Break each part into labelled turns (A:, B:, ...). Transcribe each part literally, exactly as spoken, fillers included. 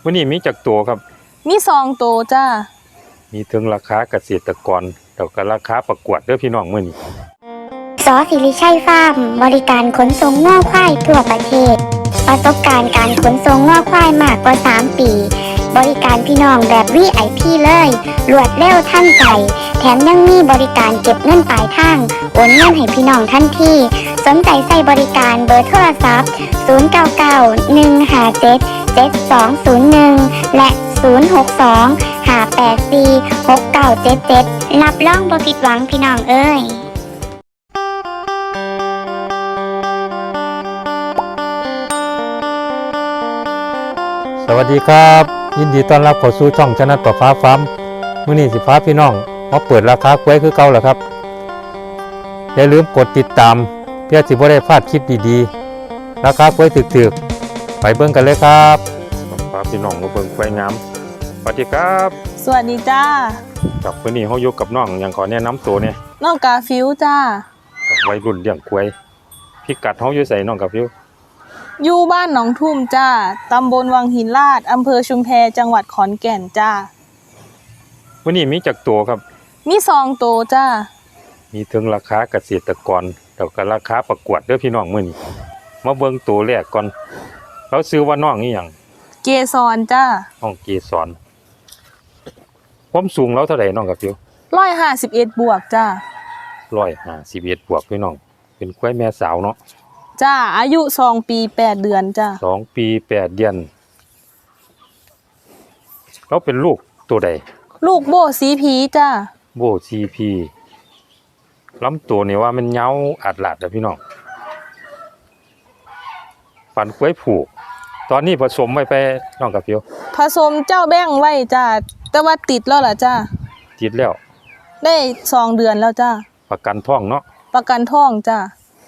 A: วันนี้มีจักตัวครับ
B: มีสองตัวจ้า
A: มีถึงราคาเกษตรกรแล้วก็ราคาประกวดเด้อพี่น้องมื้อนี้
C: สอศิริชัยฟาร์มบริการขนส่งง่อควายทั่วประเทศประสบการณ์การขนส่งง่อควายมากกว่าสามปีบริการพี่น้องแบบ วี ไอ พี เลยรวดเร็วทันใจแถมยังมีบริการเก็บเงินปลายทางโอนเงินให้พี่น้องทันทีสนใจใส่บริการเบอร์โทรศัพท์ศูนย์ เก้า เก้า หนึ่ง ห้า เจ็ด เจ็ด สอง ศูนย์ หนึ่งและศูนย์ หก สอง ห้า แปด สี่ หก เก้า เจ็ด เจ็ดรับรองบ่ผิดหวังพี่น้องเอ้ย
A: สวัสดีครับยินดีต้อนรับเข้าสู่ช่องชนะประฟ้าฟาร์มมื้อนี้สิพาพี่น้องมาเปิดราคากล้วยคือเก่าแล้วครับอย่าลืมกดติดตามเพื่อสิบ่ได้พลาดคลิปดีๆราคากล้วยถึกๆไปเบิ่งกันเลยครับพาพี่น้องมาเบิ่งกล้วยงามสวัสดีครับ
B: สวัสดีจ้า
A: กับมื้อนี้เฮาอยู่กับน้องหยังขอแนะนำตัวเนี่ย
B: น้องกาฟิวจ้า
A: วัยรุ่นเลี้ยงกล้วยพิกัดเฮาอยู่ไสน้องกาฟิว
B: อยู่บ้านหนองทุ่มจ้าตำบลวังหินลาดอำเภอชุมแพจังหวัดขอนแก่นจ้า
A: วันนี้มีจักตัวครับ
B: มีสองตัวจ้า
A: มีถึงราคาเกษตรกรแล้วก็ราคาประกวดเด้อพี่น้องมื้อนี้มาเบิ่งตัวแรกก่อนเราซื้อว่าน้องอีหยัง
B: เกสรจ้า
A: น้องเกสรความสูงเราเท่าใดน้องกาฟิว
B: หนึ่งร้อยห้าสิบเอ็ดบวกจ้า
A: หนึ่งร้อยห้าสิบเอ็ดบวกพี่น้องเป็นควายแม่สาวเนาะ
B: จ้าอายุสองปีแปดเดือนจ้า
A: สองปีแปดเดือนเราเป็นลูกตัวใด
B: ลูกโบสีพีจ้า
A: โบซีพีลำตัวนี่ว่ามันเหงาอัดหลาดเด้อพี่น้องปันควายผูกตอนนี้ผสมไว้ไปน้องกับฟิว
B: ผสมเจ้าแบ้งไว้จ้าแต่ว่าติดแล้วล่ะจ้า
A: ติดแล้ว
B: ได้สองเดือนแล้วจ้า
A: ประกันท้องเนาะ
B: ประกันท้องจ้า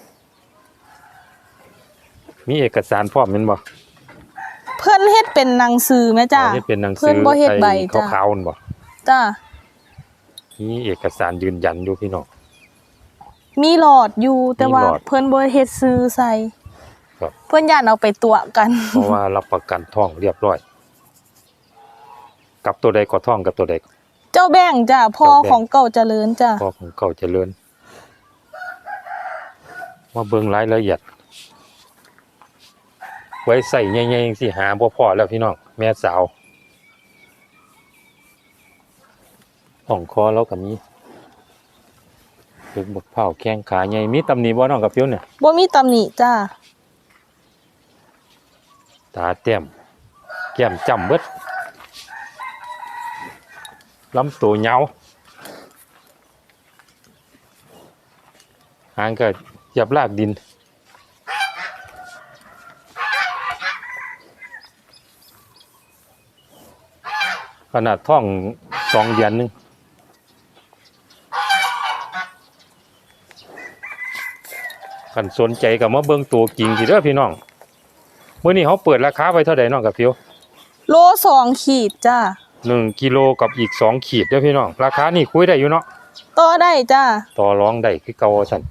A: มีเอกสารพร้อมแม่นบ่
B: เพิ่นเฮ็ดเป็นหนังสือแม่จ้า
A: เฮ็ดเป็นหนังสือ
B: เพิ่นบ่เฮ็ดใบจ้า
A: ขาวๆนั่นบ่
B: จ้า
A: มีเอกสารยืนยันอยู่พี่น้อง
B: มีหลอดอยู่แต่ว่าเพิ่นบ่เฮ็ดซื้อใส่
A: ครับ
B: เพิ่นย่านเอาไปตัวกัน
A: เพราะว่ารับประกันท้องเรียบร้อยกับตัวใดก็ท้องกับตัวใด
B: เจ้าแบ่งจ้าพ่อของเก่าเจริญจ้า
A: พ่อของเก่าเจริญมาเบิ่งรายละเอียดไว้ใส่ใหญ่ๆสิหาบ่พอแล้วพี่น้องแม่สาวห้องคอแล้วก็มีเป็นบักเผาแข้งขาใหญ่มีตำหนิบ่น้องกับฟิวเนี่ย
B: บ่มีตำหนิจ้า
A: ตาแต้มแก้มจ้ำเบิดลำตัวเหงาหางก็เหยียบลากดินขนาดท้องสองเดือนนึงคันสนใจกับมาเบิ่งตัวจริงสิเด้อพี่น้องมื้อนี้เขาเปิดราคาไว้เท่าใดน้องกับฟิว
B: โลสองขีดจ้า
A: หนึ่งกิโลกับอีกสองขีดเด้อพี่น้องราคานี่คุยได้อยู่เนาะ
B: ต่อได้จ้า
A: ต่อรองได้คือเก่าซั่น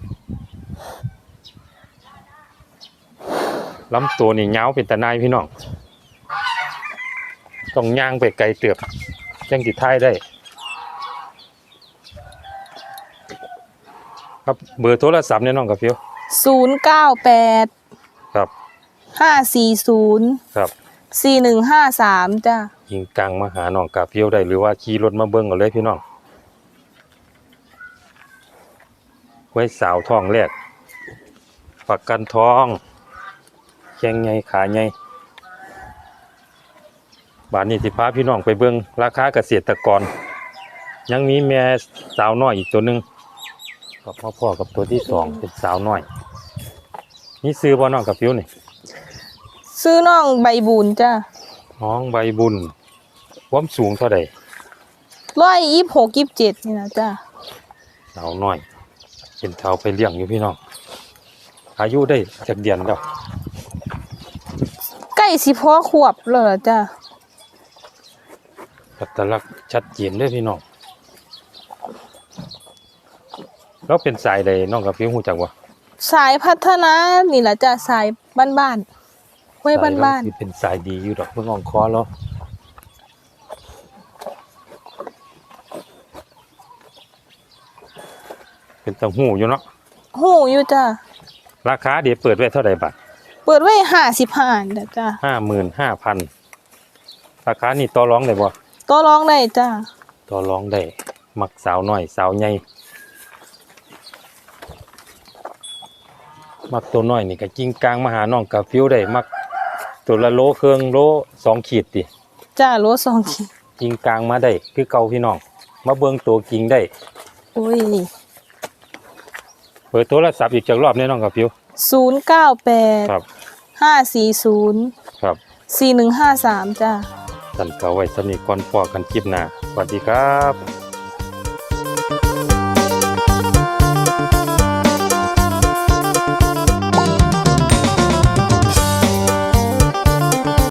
A: ลำตัวนี่ยาวเป็นตะนายพี่น้องต้องย่างไปไกลเติบจังสิถ่ายได้ครับเบอร์โทรศัพท์เนี่ยน้องกับฟิว
B: ศูนย์ เก้า แปด
A: ครับ
B: ห้า สี่ ศูนย์
A: ครับ
B: สี่ หนึ่ง ห้า สามจ้า
A: ยิงกลางมาหาน้องกับฟิวได้หรือว่าขี่รถมาเบิ่งกันเลยพี่น้องไว้สาวท้องแรกประกันท้องแข้งใหญ่ขาใหญ่บาทนี้สิพาพี่น้องไปเบิ่งราคาเกษตรกรยังมีแม่สาวน้อยอีกตัวหนึ่งกับพ่อพ่อกับตัวที่สองเป็นสาวน้อยนี่ซื้อบ่น้องกับฟิวนี่
B: ซื้อน้องใบบุญจ้า
A: น้องใบบุญความสูงเท่าใด
B: ร้อยยี่สิบหกยี่สิบเจ็ดนี่นะจ้า
A: สาวน้อยเป็นเท้าไปเลี้ยงอยู่พี่น้องอายุได้จากเดือนแล้ว
B: ใกล้สิพ่อขวบแล้วจ้า
A: อัตลักษณ์ชัดเจนเลยพี่น้องแล้วเป็นสายใดน้องกับฟิวฮู้จักบ่
B: สายพัฒนานี่แหละจ้ะสายบ้านไว้บ้าน
A: สยเรสิเป็นสายดีอยู่ดอกเพิ่งอ่องคอแล้วเป็นตังหูอยู่เนาะ
B: ๆหูอยู่จ้า
A: ราคาเดี๋ยวเปิดไว้เท่าไหร่บาท
B: เปิดไว้ห้าสิบห้าเด้อจ้า
A: ห้าหมื่นห้าพันราคานี่ต่อรองได้บ่
B: ต่อรองได้จ้า
A: ต่อรองได้มักสาวน้อยสาวใหญ่มักตัวน้อยนี่ก็กิ้งกลางมาหาน้องกาฟิวได้มักตัวละโลเครื่องโลสองขีดติ
B: จ้าโลสองขีด
A: กิ้งกลางมาได้คือเก่าพี่น้องมาเบิ่งตัวกิ้งได้
B: โอ้ย
A: เปิดโทรศัพท์อีกจักรอบแน่น้องกาฟิว
B: ศูนย์เก้าแปด
A: ครับ
B: ห้าสี่ศูนย์
A: ครับ
B: สี่หนึ่งห้าสามจ้า
A: สั่นเก่าไว้สำนีก่อนพอกันคลิปหน้าสวัสดีครับ